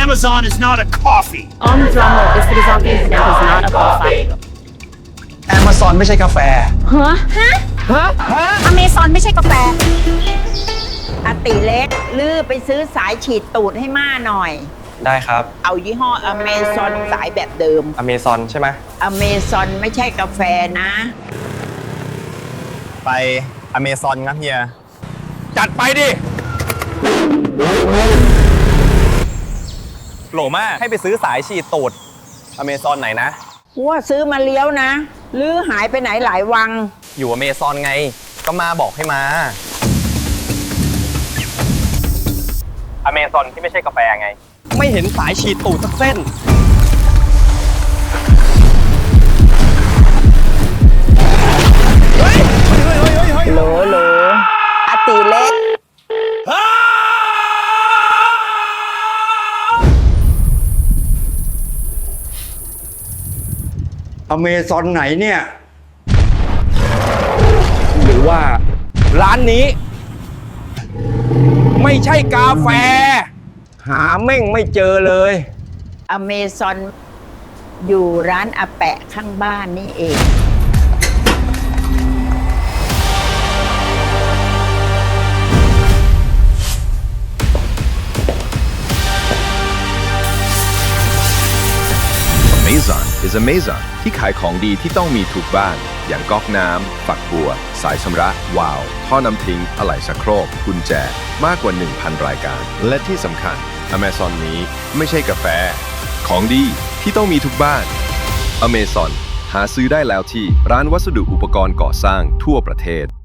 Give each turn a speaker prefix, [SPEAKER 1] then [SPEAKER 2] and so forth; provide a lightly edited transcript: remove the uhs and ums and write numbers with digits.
[SPEAKER 1] Amazon is not a coffee.
[SPEAKER 2] Amazon ist für die Sache ist not a coffee.
[SPEAKER 3] Amazon ไม่ใช่กาแฟ
[SPEAKER 4] Amazon ไม่ใช่กาแฟอาติเล็กลื้อไปซื้อสายฉีดตูดให้ม่าหน่อย
[SPEAKER 3] ได้ครับ
[SPEAKER 4] เอายี่ห้อ Amazon สายแบบเดิม
[SPEAKER 3] Amazon ใช่ไหม
[SPEAKER 4] Amazon ไม่ใช่กาแฟนะ
[SPEAKER 5] ไปอเมซอนครับเฮีย
[SPEAKER 3] จัดไปดิ
[SPEAKER 5] โหลมากให้ไปซื้อสายฉีดตูดอเมซอนไหนนะ
[SPEAKER 4] ว่าซื้อมาเลี้ยวนะลื้อหายไปไหนหลายวัง
[SPEAKER 5] อยู่อเมซอนไง ก็มาบอกให้มาอเมซอนที่ไม่ใช่กาแฟไง ไม่เห็นสายฉีดตูดสักเส้น
[SPEAKER 4] โหลอาติเล็ก
[SPEAKER 6] อเมซอนไหนเนี่ย หรือว่าร้านนี้ ไม่ใช่กาแฟ หาเม่งไม่เจอเลย
[SPEAKER 4] Amazon อยู่ร้านอาแปะข้างบ้านนี่เอง
[SPEAKER 7] Amazon is Amazon ที่ขายของดีที่ต้องมีทุกบ้าน อย่างก๊อกน้ำ ฝักบัว สายชำระ วาล์ว ท่อน้ำทิ้ง อะไหล่ชักโครก กุญแจ มากกว่า 1,000 รายการ และที่สำคัญ Amazon นี้ไม่ใช่กาแฟ ของดีที่ต้องมีทุกบ้าน Amazon หาซื้อได้แล้วที่ร้านวัสดุอุปกรณ์ก่อสร้างทั่วประเทศ